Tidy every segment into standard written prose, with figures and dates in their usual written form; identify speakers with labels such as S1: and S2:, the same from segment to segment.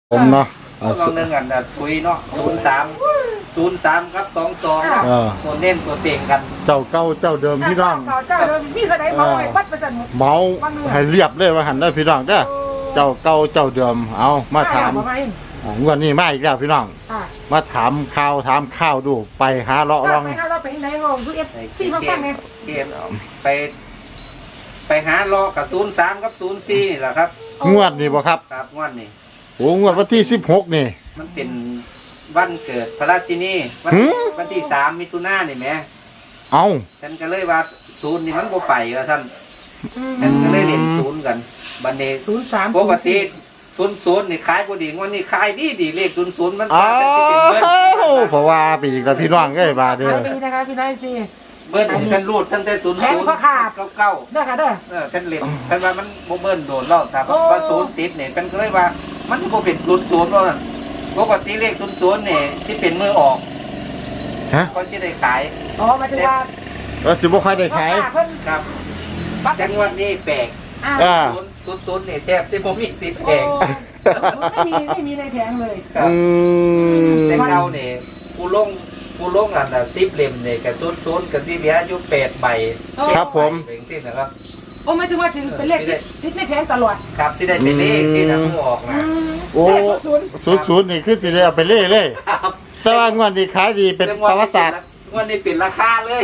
S1: ผมเนาะ
S2: ลองหนึ่งกันคุยเนาะ03ครับ22ตัวเน้นตัวเต่งกัน
S1: เจ้าเก่าเจ้าเดิมพี่น้อง
S3: เจ้าเดิมมีเท่าไหร่เมาไอ้วัดประจันหมด
S1: เมาให้เรียบเลยว่าหันได้พี่น้องเด้อเจ้าเก่าเจ้าเดิมเอามาถามวันนี้มาอีกแล้วพี่น้องมาถามข่าวดูไปหาเลาะลอง
S3: ไปหาเราไปไหนห้องดูเอฟซีเขาตั้งไง
S2: เกมไปหาเลาะกับ03กับ04นี่แหละครับ
S1: งวดนี่บ่ครับ
S2: ครับงวดนี่
S1: โอ้งวดวันที่16นี่
S2: มันเป็นวันเกิดพระราชินีวันที่3มิถุนายนนี่แหม
S1: เอา
S2: ฉันก็เลยว่า0นี่มันบ่ไปว่าท่านฉันก็เลยเล่น0กันบัดนี้03ปกติ00นี่ขายบ่ดีงวดนี้ขายดีเลข00มัน
S1: เป็นเบิ้ลเพราะว่าไปอีกแล้วพี่น้องเอ้ยบาดเด้อ
S3: ดีนะคะพี่น้อยสิ
S2: เบิ้ลฉันรูดตั้งแต่00เก้า
S3: เด้อค่ะเด้อ
S2: ฉันเล่นฉันว่ามันบ่เบิ้ลโดนแล้วถ้าว่า0ติดนี่ฉันก็เลยว่ามันบ่เป็น00แล้วนั่นปกติเลข00นี่ที่เป็นมือออก
S1: ฮะ
S2: ก็สิได้ขาย
S3: อ๋อหมายถึงว่า
S1: สิบ่ค่อยได้ขาย
S2: ครับจังหวัดนี้แปลก00นี่แทบสิบ่มีติดแผง
S3: ไม่มีในแผงเลย
S2: แต่เราเนี่ยผู้ลงอัน10เล่มเนี่ยกับ00กับที่เหลืออยู่8ใบ
S1: ครับผม
S2: เป็นที่นะครับ
S3: โอ้หมายถึงว่าสิเป็นเลขติดในแผงตลอด
S2: ครับสิได้เป็นเลขที่นำออกนะ
S1: โอ้00นี่คือสิได้เอาไปเล่เลยแต่ว่างวดนี้ขายดีเป็นประวัติศาสตร์
S2: งวดนี้เป็นราคาเลย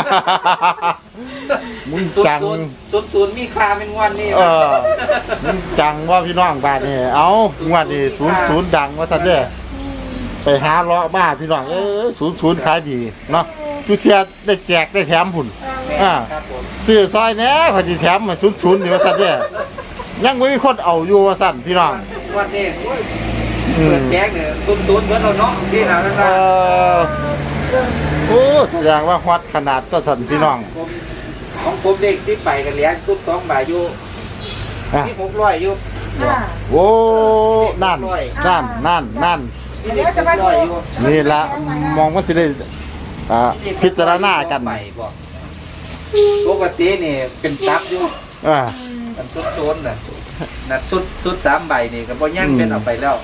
S1: มึงจัง
S2: 00มีค่าเป็นงวดนี้
S1: มึงจังว่าพี่น้องบาดนี่เอางวดนี้00ดังว่าซั่นเด้อไปหาเลาะมาพี่น้อง00ขายดีเนาะทุกเที่ยได้แจกได้แถมพุ่นซื้อซอยแหน่เขาสิแถมมา00นี่ว่าซั่นเด้อยังบ่มีคนเอาอยู่ว่าซั่นพี่น้อง
S2: งวดนี้เปิดแจกเนี่ย00เบิดแล้วเนาะที่แล้วนะครับ
S1: โอ้แสดงว่าฮอตขนาดก็สั่นพี่น้อง
S2: ของผมเด็กที่ไปกันเลี้ยงทุก2 บาทอยู่ที่600อยู่
S1: โอ้นั่นนี่ละมองว่าจะได้พิจารณากัน
S2: ปกตินี่เป็นซับอยู่กันชุดโซนน่ะนัดชุด3 ใบนี่ก็บ่ยังเป็นเอาไปแล้ว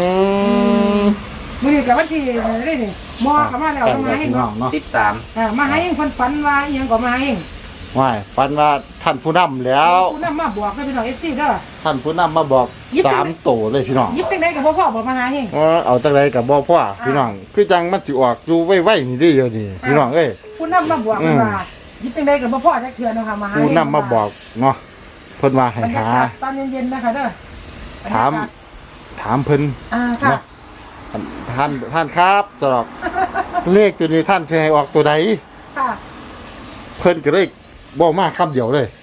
S3: มือกับวันที่นี่นี่มอกับมาแล้วมาให้
S2: 13
S3: มาให้คนฝันว่ายังก็มาให้
S1: ไม่ฝันว่าท่านผู้นำแล้ว
S3: ผู้นำมาบอกให้พี่น้องFCเด้อ
S1: ท่านผู้นำมาบอก3โตเลยพี่น้อง
S3: ยิบจังได๋กับพ่อบอกมาหาเฮง
S1: เอาจังได๋กับบ่พ่อพี่น้องคือจังมันสิออกอยู่ไว้ๆนี่เด้อนี่พี่น้องเอ้ย
S3: ผู้นำมาบอกว่ายิบจังได๋กับพ่อจักเทื่อเนาะค่ะมาหา
S1: ผู้นำมาบอกเนาะเพิ่นว่าให้หา
S3: ตอนเย็นๆนะคะเด้อ
S1: ถามเพิ่น
S3: ค่ะ
S1: ท่านครับสำหรับเลขตัวนี้ท่านจะให้ออกตัวใดเพิ่นก็เลยบอกมาคำเดียวเลย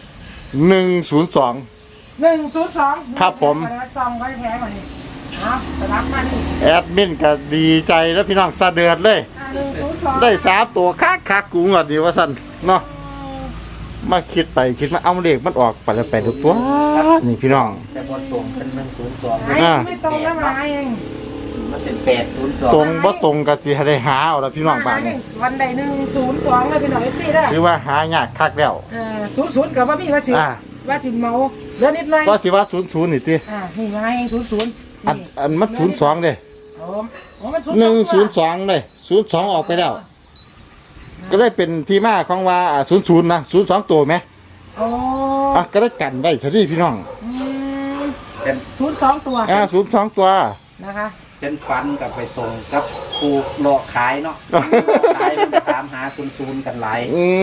S1: 102ครับผม
S3: ซองไว้แท้กว่านี้สลับมานี่
S1: แอดมินก็ดีใจแล้วพี่น้องสะเดือดเลยได้3ตัวคักกูงอดดีว่าสั่นเนาะมาคิดไปคิดมาเอาเลขมันออกไปแล้วไปทุกตัวนี่พี่น้อง
S2: แต่บนตรงเป็น102
S3: ไม่ตรงแล้วมาเอง
S2: มันเป็น802
S1: ตรงบ่ตรงก็สิได้หาเอาละพี่น้องบ้าน
S3: วันใด102เลยพี่น้อง FC เด้อ
S1: คือว่าหายากคักแล้ว
S3: 00ก็บ่มีว่าสิเมาเหลือนิดหน่อย
S1: ก็สิว่า00นี่ติ
S3: นี่ไง00
S1: อันมัน02เด้
S3: มัน
S1: 102เลย02ออกไปแล้วก็ได้เป็นที่มาของว่า00นะ02ตัวไหมก็ได้กันไว้ซะดิพี่น้อง
S2: เป็น
S3: 02ตัว
S1: 02ตัว
S3: นะคะ
S2: เป็นฟันกับไปตรงกับครูหลอกขายเนาะขายมันถามหา00กันหลาย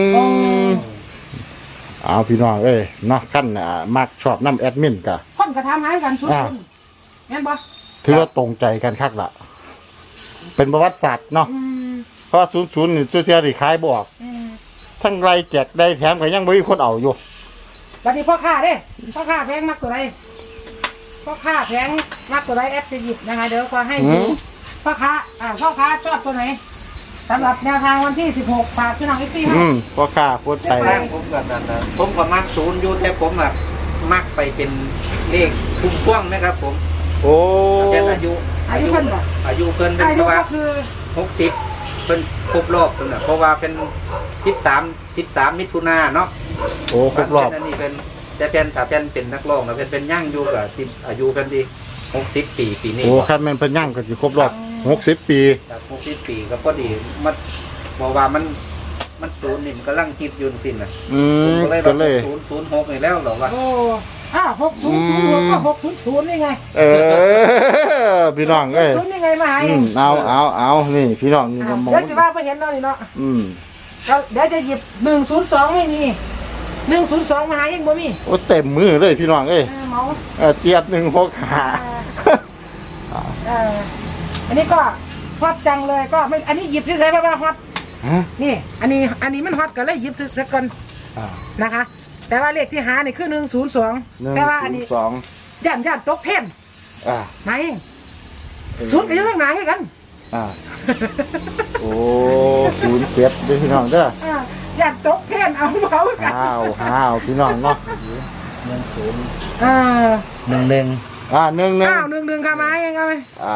S1: เอาพี่น้องเอ้ยเนาะขั้นมักชอบน้ำแอดมินกะ
S3: คนก็ถามหากัน00แม่นบ่
S1: ถือว่าตรงใจกันคักละเป็นประวัติศาสตร์เนาะเพราะ00นี่ตัวเทียรี่ขายบ่ออกทั้งไรแจกได้แถมก็ยังบ่มีคนเอาอยู่
S3: บัดนี้พ่อค้าเด้พ่อค้าแพงมักตัวใดพ่อค้าแพงมักตัวใดแอปจะหยิบนะคะเดี๋ยวขอให้ดูพ่อค้าชอบตัวไหนสำหรับแนวทางวันที่16ฝากพี่น้องอีกทีให้
S1: พ่อค้าพูดไป
S2: ผมก็มัก0อยู่แต่ผมมักไปเป็นเลขคุ้มพ่วงนะครับผม
S1: โอ้
S2: เป็นอายุเพิ่นเป็นว่า60เป็นครบรอบเพิ่นน่ะเพราะว่าเป็น13มิถุนายนเนาะ
S1: โอ้ครบรอบ
S2: อันนี้เป็นแต่ถ้าเป็นนักร้องเป็นย่างอยู่กับอายุเพิ่นดี 60 ปีปีนี้
S1: โอ้คันแม่นเพิ่นย่างก็สิครบรอบ60 ปี
S2: จาก60 ปีก็พอดีมันบอกว่ามันศูนย์นี่มันกำลังฮิตอยู่สิน่ะ ผมก็เลย
S1: ก็เลย
S2: 006นี่แล้วเหรอวะ
S3: โอ้600ก็600นี่ไง
S1: พี่น้องเอ้ย
S3: 0นี่ไงมาหาเอง
S1: เอานี่พี่น้องนี่ก็มอง
S3: เดี๋ยวสิว่าไปเห็นเรานี่เนาะ เดี๋ยวจะหยิบ102ไม่มี102มาหาเองบ่มี
S1: โอ้เต็มมือเลยพี่น้องเอ้ย
S3: เมา
S1: เจี๊ยบ165
S3: อันนี้ก็ฮอตจังเลยก็ไม่อันนี้หยิบซื้อเลยเพราะว่าฮอต
S1: ฮะ
S3: นี่ อันนี้มันฮอตก็เลยหยิบซื้อก่อน
S1: อ่า
S3: นะคะ แต่ว่าเลขที่หานี่คือ102แต่ว่าอันนี้
S1: 102
S3: ย่านตกเทน
S1: อ่า
S3: มาเองศูนย์ก็อยู่ข้างหน้าให้กัน
S1: อ่าโอ้07เด้อพี่น้องเด้
S3: อย่านตกเทนเอาเขากัน
S1: ห้าวพี่น้องเนาะ
S3: เออ
S2: 11
S1: 11
S3: 1ค่ะมาเองเอาไป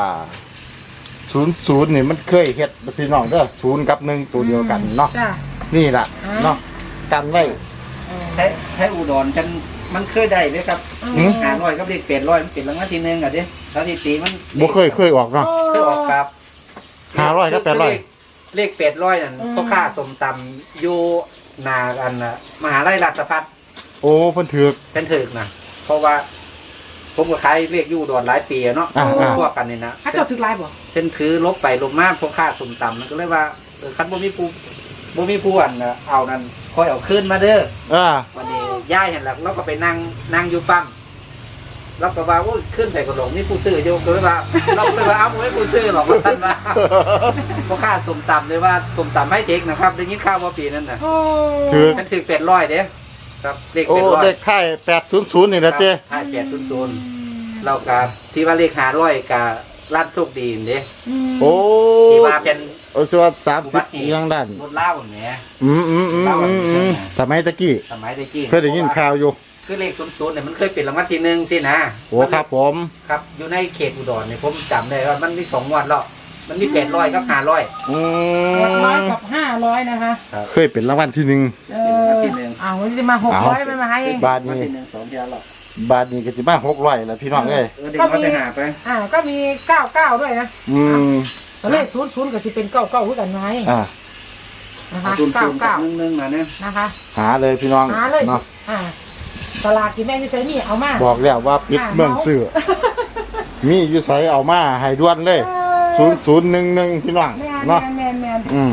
S1: 00นี่มันเคยเฮ็ดพี่น้องเด้อ0กับ1ตัวเดียวกันเนาะ
S3: จ้ะ
S1: นี่ล่ะเนาะกันไว้
S2: ใช้อุดรฉันมันเคยได้ไหมครับ
S1: หืม
S2: 500กับเลข800มันเป็นรางวัลที่1อ่ะเด้สถิติมัน
S1: บ่เคยออกเนาะ
S2: เคยออกครับ
S1: 500กับ800
S2: เลข800นั่นพ่อค้าสมตำอยู่หนากันน่ะมหาลัยราชภัฏ
S1: โอ้เพิ่นถือก
S2: เป็นถึกนะเพราะว่าผมก็ขายเลขอยู่อุดรหลายปีอะเนาะ พวกกันนี่นะ
S3: ถ้าเจ้าถึกลายบ่
S2: เป็นคือลบไปลบมาพ่อค้าสมตำมันก็เลยว่าคันบ่มีผู้อันน่ะเอานั่นคอยเอาขึ้นมาเด้อ วันนี้ย่ายเห็นแล้วเราก็ไปนั่งอยู่ปั๊มเราก็ว่าโอ้ยขึ้นไปกระหลงนี่ผู้ซื้อโยกเลยว่าเราก็เลยว่าเอาไม่ผู้ซื้อหรอกท่านว่าเพราะค่าสมตำเลยว่าสมตำให้เด็กนะครับได้ยินข่าวว่าปีนั้นน่ะ
S1: ถือก
S2: มันถึง800เด้ครับเลข
S1: โอ้เลข
S2: 800
S1: ท้าย800นี่นะเต้
S2: ค่าย800เรากับที่ว่าเลข500กับร้านโชคดีเด้
S1: โอ้
S2: ที่ว่าเป็น
S1: โอ้ชัว30อีกอย่างด้าน
S2: รถเล่าเนี่ย
S1: สมัยตะกี้
S2: สมัยตะกี้
S1: เคยได้ยินข่าวอยู่
S2: คือเลข00เนี่ยมันเคยเป็นรางวัลที่1สินะ
S1: โอ้ครับผม
S2: ครับอยู่ในเขตอุดรเนี่ยผมจำได้ว่ามันมี2 งวดแล้วมันมี800กับ500
S1: อื
S3: 600กับ500นะคะ
S1: เคยเป็นรางวัลที่หนึ่ง
S3: วันนี้มา600ไม่มาให้เอง
S1: บาท
S2: วัน
S1: นี้
S2: ที่1 2เดือนแล้ว
S1: บาทนี้ก็สิมา600แล้วพี่น้องเอ้ย
S2: เด็กเขาไปหาไป
S3: ก็มี99ด้วยนะ ตอนแรก00ก็สิเป็น99คือกันมาให้นะคะ
S2: 00กับ11มาเนี่ย
S3: นะคะ
S1: หาเลยพี่น้อง
S3: หาเลย
S1: เนาะ
S3: ตลาดที่แม่ที่ไซนี่เอามา
S1: บอกแล้วว่าปิดเมืองซื้อมีอยู่ไสเอามาให้ด่วนเลย0011พี่น้อง
S3: แม
S1: เนาะ
S3: น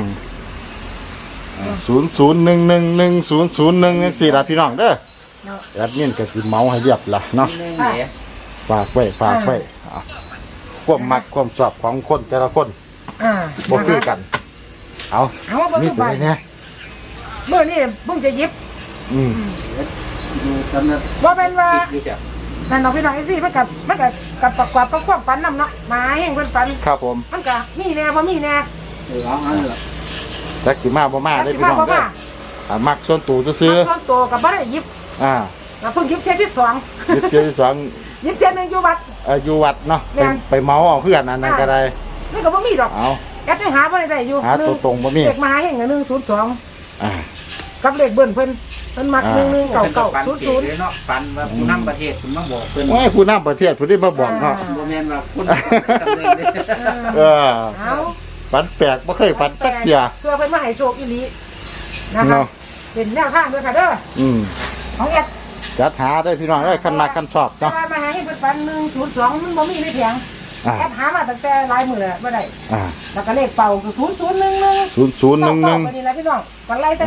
S1: 00111001จังซี่ล่ะพี่น้องเด้อแอดมินก็สิเมาให้เรียบล่ะเนาะ
S2: 1เนี่ย
S1: ฝากไว้ความมักความชอบของคนแต่ละคนบ่คือกัน เอา
S3: เอาว่าบ่
S1: นี่
S3: คือ
S1: ตัว
S3: ไป
S1: ไหนเนี่ย
S3: เมื่อนี่เพิ่งจะยิบ
S2: ดูจำนะ
S3: ว่าเป็นว่า
S2: ดูจ้ะ
S3: นั่นน้องพี่น้องไอ้ซี่มันกับประกอบกับความฝันนำเนาะมาแห่งเพิ่นฝัน
S1: ครับผม
S3: มันก็มีแน่บ่มีแน่
S2: เอาเหรอ
S1: จักสิมาบ่มาได้
S3: สิ
S1: พี่
S3: มา
S1: น้อง
S3: บ่
S1: เด้อ
S3: มา
S1: มักส่วนตัวซื้อ
S3: ส่วนตัวกับบ่ได้ยิบ แล้วเพิ่งยิบเที่ยที่2
S1: ยึดเจอที่สอง
S3: ยิบเที่ยนึงอยู่วัด
S1: อยู่วัดเนาะ
S3: แม่น
S1: ไปเมาเอาเพื่อนอันนั้นก็ได้
S3: นี่ก็บ่มีดอก
S1: เอา
S3: แอดยังหาบ่ได้อยู่
S1: หาตัวตรงบ่มี
S3: เลขมาแห่ง102
S1: อ่า
S3: กับเลขเบิ้นเพิ่นมัก
S1: อ่า
S2: ปันเก๋เลยเนาะปันว่าผู้นำประเทศคุณมาบอกเพิ่น
S1: โอ้ยผู้นำประเทศผู้ที่มาบอกเนาะ
S2: บ่แม่นว่าคุณจำเลย
S3: เอา
S1: ฝันแปลกบ่เคยฝันสักเที่ย
S3: เพื่อเพิ่นมาให้โชคอีหลีนะคะ
S1: เนาะ
S3: เป็นแนวทางด้วยค่ะเด้อ ของแอด
S1: จัดหาได้พี่น้องได้คันมักคันชอบ
S3: แต่
S1: เนาะ
S3: ว่ามาหาให้เพิ่นฝัน102มันบ่มีในเพียง
S1: อ่า
S3: แอดหามาตั้งแต่หลายมื้อแล้วบ่ได้
S1: อ่า
S3: แล้วก็เลขเป่าคือ0011
S1: 0011
S3: นี่แหละพี่น้องกันไล่แต่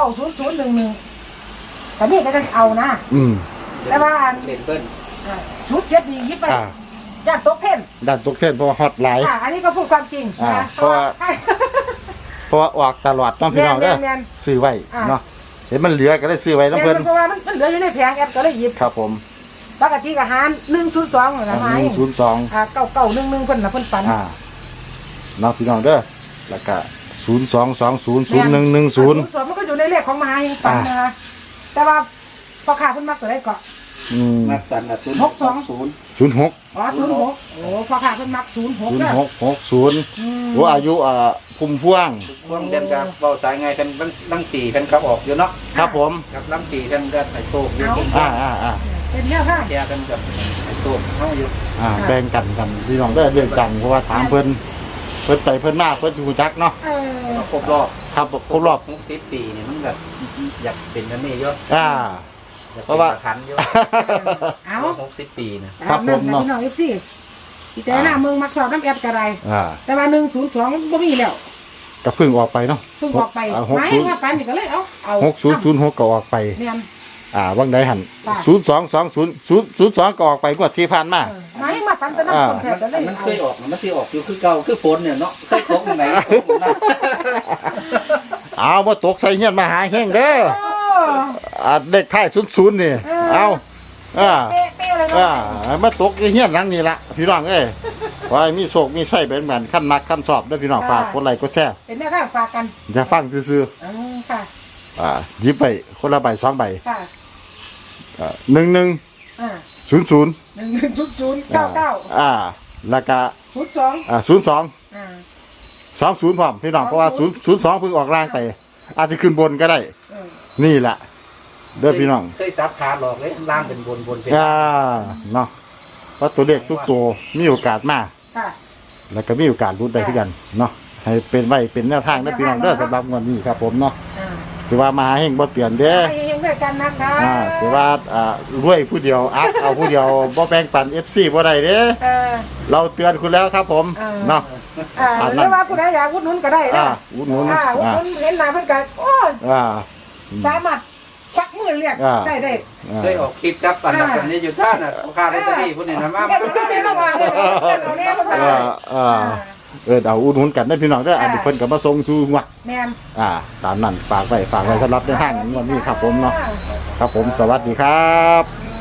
S3: 90011แต่นี่ก็จะเอานะแต่ว่า
S2: เล่นเพิ่น
S3: ชุดเจ็ดนี่ยิบไปย่านตกเพ่น
S1: ด้านตกเทนเพราะว่าฮอตหลาย
S3: อันนี้ก็พูดความจริงนะ
S1: เพราะว่าออกตลอดเนาะพี่น้องเด้อซื้อไว้เนาะเห็นมันเหลือก็ได้ซื้อไว้น้ำเพิ่น
S3: เพราะว่ามันเหลืออยู่ในแผงแอปก็เลยหยิบ
S1: ครับผม
S3: ปกติก็หาร102นะหาย
S1: 102
S3: 9911เพิ่นน่ะเพิ่นฝัน
S1: เนาะพี่น้องเด้อแล้วก็02200110
S3: มันก็อยู่ในเลขของมหาเฮงฝันนะคะแต่ว่าพอขาเพิ่นมักตัวได้ก็
S2: นักตัน0 6 2 0
S1: 06
S3: อ๋อ06โอ้พ่อค้าเพิ่นมัก06นะ
S1: 0660โอ้อายุพุ่มพวง
S2: พวกเดินกับเบาสายไงกันลังปีกันเขาออกอยู่เนาะ
S1: ครับผม
S2: กับลังปีกันก็ไอ้โตกอยู่
S3: เป็นแนวทาง
S2: แกกันกับไอ้โตกเขาอยู่
S1: แบ่งกันพี่น้องได้เรื่องจังเพราะว่าถามเพิ่นไปเพิ่นมาเพิ่นจูจักเนาะ
S2: ครบรอบ
S1: ครับครบรอบ
S2: 60 ปีนี่มันแบบอยากเป็นกันนี่เยอะ
S1: เพราะว่า
S2: ทันเยอะ
S3: เอา
S2: 60 ปีนะ
S1: ครับผมเนาะ
S3: พี่น้อง FC พี่แต่หน้าเมืองมักสอบน้ำแอดกระไร
S1: อ่า
S3: แต่ว่า102บ่มีแล้ว
S1: ก็เพิ่งออกไปเนาะ
S3: เพิ่งออกไปไม่ว่าปันนี่ก็เลยเอา
S1: 6006ก็ออกไป
S3: เนียน
S1: วังใดหัน
S3: ค่ะ
S1: 022002ก็ออกไปงวดที่ผ่านมา
S3: ไม่มาปันแต่น้ำคนแทบจะเลย
S2: มันเคยออกมันที่ออกอยู่คือเก่าคือฝนเนี่ยเนาะเคยตกไหนตกนะ
S1: เอาบ่ตกใส่เฮียนมาหาแห้งเด้อเด็กท้าย00นี่เอา
S3: เป๊ะเลยเนาะ
S1: มาตกในเฮียนหลังนี่ละพี่น้องเอ้ยขอให้มีโชคมีไส้เป็นเหมือนขั้นมักขั้นสอบด้วยพี่น้องฝากกดไลค์กดแชร์
S3: เป็นแนวทางฝากกัน
S1: อย่าฟังซื่อ
S3: ค่ะ
S1: ๆหยิบไปคนละใบ2ใบ
S3: ค่ะ
S1: 1100
S3: 110099
S1: แล้วก็
S3: 02
S1: 20 พร้อมพี่น้องเพราะว่า02เพิ่งออกล่างไปอาจจะขึ้นบนก็ได้ นี่แหละเด้อพี่น้อง
S2: เคยซับขาหลอกเลยล่างเป็นบนเป็น
S1: เนาะเพราะตัวเลขทุกตัวมีโอกาสมา
S3: ค่ะ
S1: แล้วก็มีโอกาสรุ้นได้คือกันเนาะให้เป็นไว้เป็นแนวทางเด้อพี่น้องเด้อสำหรับงวดนี้ครับผมเนาะสิว่ามาหาเฮงบ่เปลี่ยนเด้อ
S3: ไปเฮงด้วยกันนะคะ
S1: สิว่ารวยผู้เดียวอักเอาผู้เดียวบ่แบ่งปัน FC บ่ได้เด้เราเตือนคุณแล้วครับผมเนาะ
S3: หรือว่าผู้ใดอยากอุดหนุนก็ได้นะ
S1: อุดหนุน
S3: อุดหนุนเห็นหน้าเพิ่นก็โอ้สามารถควักมือเรียกใช่ได้
S2: เคยออกคลิปครับอันนั้นนี้อยู่ท่านน่ะค่าลอตเตอรี่พวกนี้นะมา
S3: ไม่ระวังเอาเนี่ยมัน
S1: เอาอุดหนุนกันได้อพี่น้องเด้ออันนี้เพิ่นก็มาส่งสู่วัด
S3: แม่น
S1: ตามนั้นฝากไว้สำหรับในห้างงวดนี้ครับผมเนาะครับผมสวัสดีครับ